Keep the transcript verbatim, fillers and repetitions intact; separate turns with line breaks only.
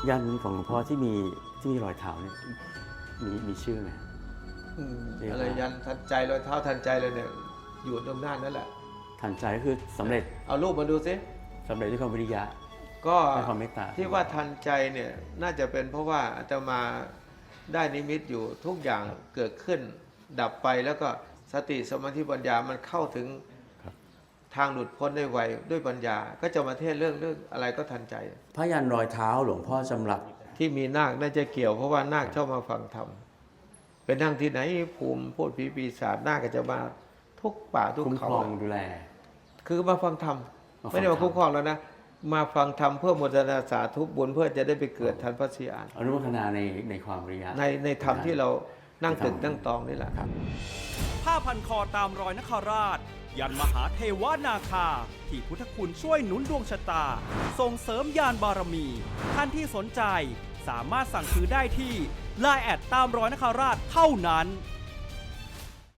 ยันของหลวงพ่อที่มีที่มีรอยเท้าเนี่ยมีมีชื่อไหม
อืม
เรียกว่า
อะไรยันทันใจรอยเท้าทันใจเลยเนี่ยอยู่ตรงหน้านั่นแหละ
ทันใจก็คือสำเร็จ
เอารูปมาดูสิ
สำเร็จด้วยความวิริยะ
ก็
ด้วยความเมตตา
ที่ว่าทันใจเนี่ยน่าจะเป็นเพราะว่าอาตมาได้นิมิตอยู่ทุกอย่างเกิดขึ้น ดับไปแล้วก็สติสมาธิปัญญามันเข้าถึง
ครับ
ทางหลุดพ้นได้ไวด้วยปัญญา ก็จะมาเทศเรื่องเรื่องอะไรก็ทันใจ
พยันรอยเท้าหลวงพ่อจำหลัด
ที่มีนาคน่าจะเกี่ยวเพราะว่านาคชอบมาฟังธรรมเป็นนั่งที่ไหนภูมิพูดผีปีศาจนาคก็จะมาทุกป่าทุก
คุ้มค
เขา
รองดูแล
คือมาฟังธรรม
มาฟัง
ไม่ได้มาคุ้มครองแล้วนะ มาฟังธรรมเพื่อโมทนาสาธุบุญเพื่อจะได้ไปเกิดทันพระศรีอาน
อนุโมทนาในในความวิริยะ
ในในธรรมที่เรานั่งตึกนั่งตองนี่แหละ
ครับ
ผ้าพันคอตามรอยนคราช ยันมหาเทวนาคา ที่พุทธคุณช่วยหนุนดวงชะตา ส่งเสริมยานบารมี ท่านที่สนใจสามารถสั่งซื้อได้ที่ ไลน์ แอดตามรอยนคราชเท่านั้น